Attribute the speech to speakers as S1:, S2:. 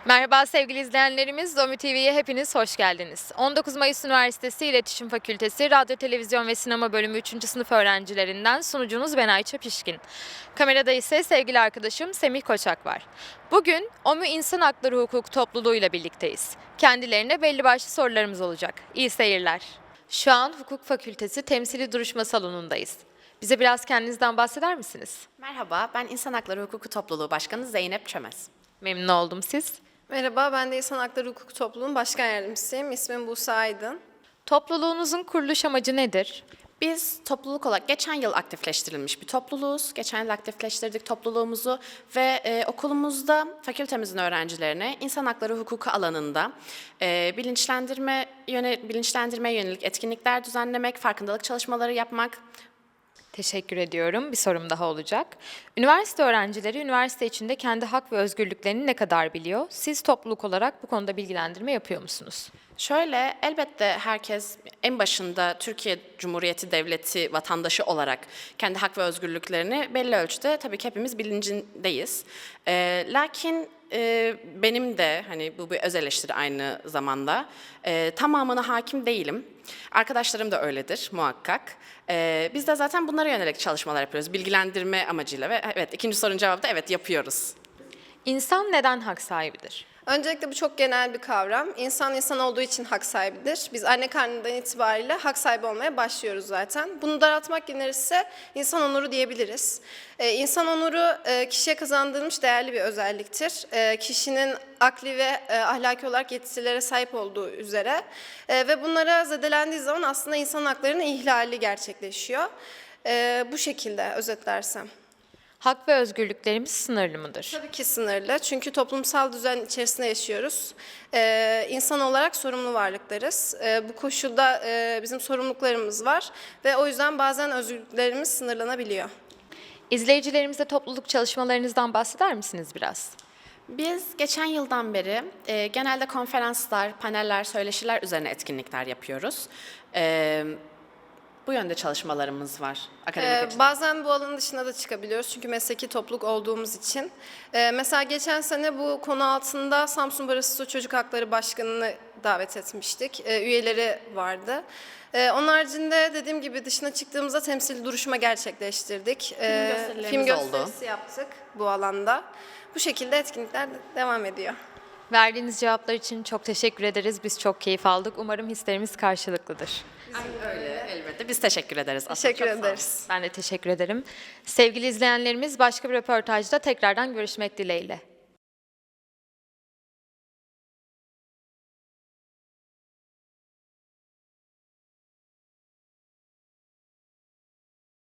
S1: Merhaba sevgili izleyenlerimiz, Zomi TV'ye hepiniz hoş geldiniz. 19 Mayıs Üniversitesi İletişim Fakültesi Radyo, Televizyon ve Sinema Bölümü 3. sınıf öğrencilerinden sunucunuz ben Ayça Pişkin. Kamerada ise sevgili arkadaşım Semih Koçak var. Bugün OMÜ İnsan Hakları Hukuk Topluluğu ile birlikteyiz. Kendilerine belli başlı sorularımız olacak. İyi seyirler. Şu an Hukuk Fakültesi Temsili Duruşma Salonu'ndayız. Bize biraz kendinizden bahseder misiniz?
S2: Merhaba, ben İnsan Hakları Hukuku Topluluğu Başkanı Zeynep Çömez.
S1: Memnun oldum siz.
S3: Merhaba, ben de İnsan Hakları Hukuku Topluluğu'nun başkan yardımcısıyım. İsmim Buse Aydın.
S1: Topluluğunuzun kuruluş amacı nedir?
S2: Biz topluluk olarak geçen yıl aktifleştirilmiş bir topluluğuz. Geçen yıl aktifleştirdik topluluğumuzu ve okulumuzda fakültemizin öğrencilerine insan hakları hukuku alanında bilinçlendirmeye yönelik etkinlikler düzenlemek, farkındalık çalışmaları yapmak.
S1: Teşekkür ediyorum. Bir sorum daha olacak. Üniversite öğrencileri üniversite içinde kendi hak ve özgürlüklerini ne kadar biliyor? Siz topluluk olarak bu konuda bilgilendirme yapıyor musunuz?
S2: Şöyle, elbette herkes en başında Türkiye Cumhuriyeti Devleti vatandaşı olarak kendi hak ve özgürlüklerini belli ölçüde tabii ki hepimiz bilincindeyiz. Lakin benim de hani bu bir öz eleştiri aynı zamanda tamamına hakim değilim. Arkadaşlarım da öyledir muhakkak. Biz de zaten bunlara yönelik çalışmalar yapıyoruz bilgilendirme amacıyla ve evet ikinci sorunun cevabı da evet yapıyoruz.
S1: İnsan neden hak sahibidir?
S3: Öncelikle bu çok genel bir kavram. İnsan insan olduğu için hak sahibidir. Biz anne karnından itibariyle hak sahibi olmaya başlıyoruz zaten. Bunu daraltmak gerekirse insan onuru diyebiliriz. İnsan onuru kişiye kazandırılmış değerli bir özelliktir. Kişinin akli ve ahlaki olarak yetisilere sahip olduğu üzere ve bunlara zedelendiği zaman aslında insan haklarının ihlali gerçekleşiyor. Bu şekilde özetlersem.
S1: Hak ve özgürlüklerimiz sınırlı mıdır?
S3: Tabii ki sınırlı. Çünkü toplumsal düzen içerisinde yaşıyoruz. İnsan olarak sorumlu varlıklarız. Bu koşulda bizim sorumluluklarımız var ve o yüzden bazen özgürlüklerimiz sınırlanabiliyor.
S1: İzleyicilerimize topluluk çalışmalarınızdan bahseder misiniz biraz?
S2: Biz geçen yıldan beri genelde konferanslar, paneller, söyleşiler üzerine etkinlikler yapıyoruz. Bu yönde çalışmalarımız var akademik açıdan.
S3: Bazen bu alanın dışına da çıkabiliyoruz çünkü mesleki topluluk olduğumuz için. Mesela geçen sene bu konu altında Samsun Barosu Çocuk Hakları Başkanı'nı davet etmiştik. Üyeleri vardı. Onun haricinde dediğim gibi dışına çıktığımızda temsili duruşma gerçekleştirdik. Film gösterisi yaptık bu alanda. Bu şekilde etkinlikler devam ediyor.
S1: Verdiğiniz cevaplar için çok teşekkür ederiz. Biz çok keyif aldık. Umarım hislerimiz karşılıklıdır.
S2: Öyle elbette. Biz teşekkür ederiz.
S3: Teşekkür ederiz.
S1: Ben de teşekkür ederim. Sevgili izleyenlerimiz başka bir röportajda tekrardan görüşmek dileğiyle.